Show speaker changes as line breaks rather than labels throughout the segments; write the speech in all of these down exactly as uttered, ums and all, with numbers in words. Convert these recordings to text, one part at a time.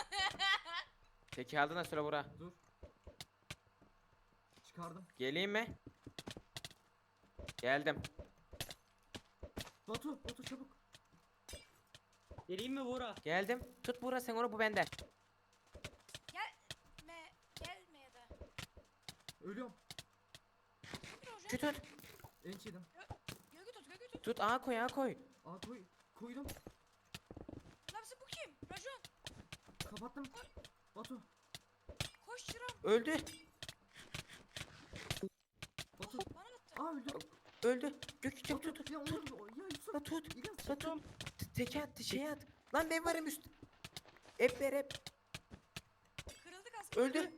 Teki aldın da söyle bura.
Dur. Çıkardım.
Geleyim mi? Geldim.
Batu, Batu çabuk.
Geleyim mi Buğra?
Geldim. Tut bura sen onu, bu bende.
Gelme. Gelme ya da.
Ölüyorum.
Bir hocam.
Şu tut.
Enç yedim.
Gölge tut gölge tut.
Tut ağa koy ağa koy.
Aa koy. Koydum.
Nabzı bu kim? Rajon.
Kapattım. Batu.
Koş çıram.
Öldü.
Batu.
Bana attı.
Aa öldü.
Öldü. Gök tut
Batu.
tut.
Ya onu ya Yusuf.
La tut.
İlyas.
La tut. Teki at şey at. Lan ben varım üst. Hep ver hep.
Kırıldı kaskı.
Öldü.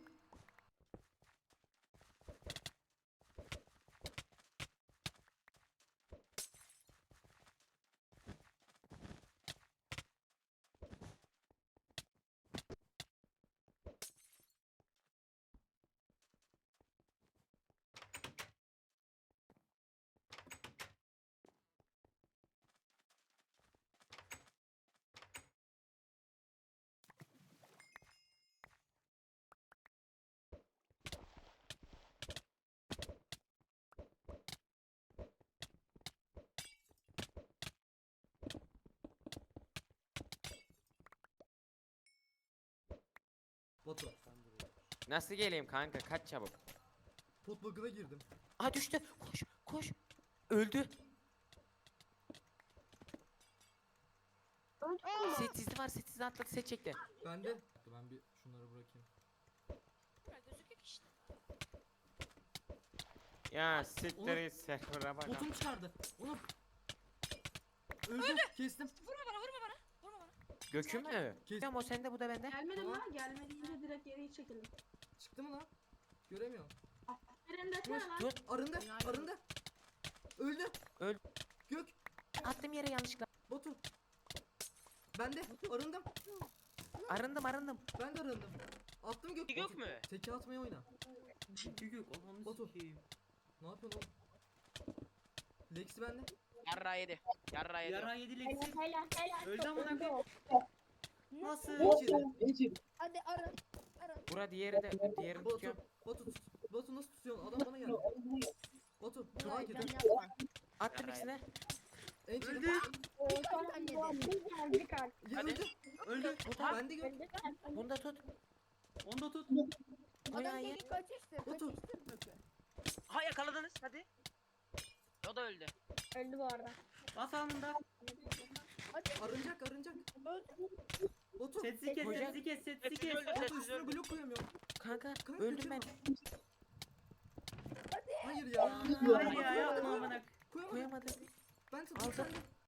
Batu.
Nasıl geleyim kanka, kaç çabuk.
Pot bug'ına girdim.
Aa düştü. Koş koş. Öldü. Setsizli var, setsizli atladı, set çekti.
Ben de. Ben bir şunları bırakayım.
Ya gözüküyor ki işte.
Ya siktir et server'a bak.
Potum çıkardı. Onu. Öldü. Kestim.
Vurma bana vurma bana. Vurma bana.
Gökü mü?
Kes-
Tamam o sende, bu da bende.
Gelmedim
Tamam.
lan. Gelmediğinde direkt geri çekelim.
Çıktı mı lan? Göremiyorum.
Eren desene lan.
Tut.
Arındı. Arındı. Öldü.
Öl-
Gök.
Attım yere yanlışlıkla.
Batu. Ben de arındım.
Arındım arındım.
Ben de arındım. Attım gök.
Gök
Batu,
mü?
Teki atmaya oyna.
Gök ananı
Batu.
sikeyim.
Ne yapıyorsun oğlum? Lexi bende.
Yarra yedi. Yarra yedi.
Yara yedi Lexi.
Helal helal.
Öldü amına koyayım. Nasıl?
Enç yedi.
Hadi arın. Arın.
Bura diğeri de, diğerini
Batu.
tutuyorum.
Batu tut. Batu nasıl tutuyorsun? Adam bana geldi. Batu. Sağa gidin.
Attım ikisine.
Enç yedi.
Öldü.
Ya
Hadi.
öldü.
Öldü.
Batu ben de gök.
Bunu da tut.
Onu da tut.
O ya ya.
Batu.
Ha yakaladınız hadi. O da öldü.
Öldü bu arada.
Bas alnında.
Arınacak arınacak. Batu.
Setsi kes,
Hocam.
setsi kes, setsi
Hepsi
kes.
öldü.
Batu
Hepsi
üstüne
öldü.
blok koyamıyorum.
Kanka
Kanka,
öldüm ben.
götürme. Hayır ya.
Hayır ya yapma amına.
Koyamadım.
Koyamadım.
Ben tut.
Aldım.
sen de.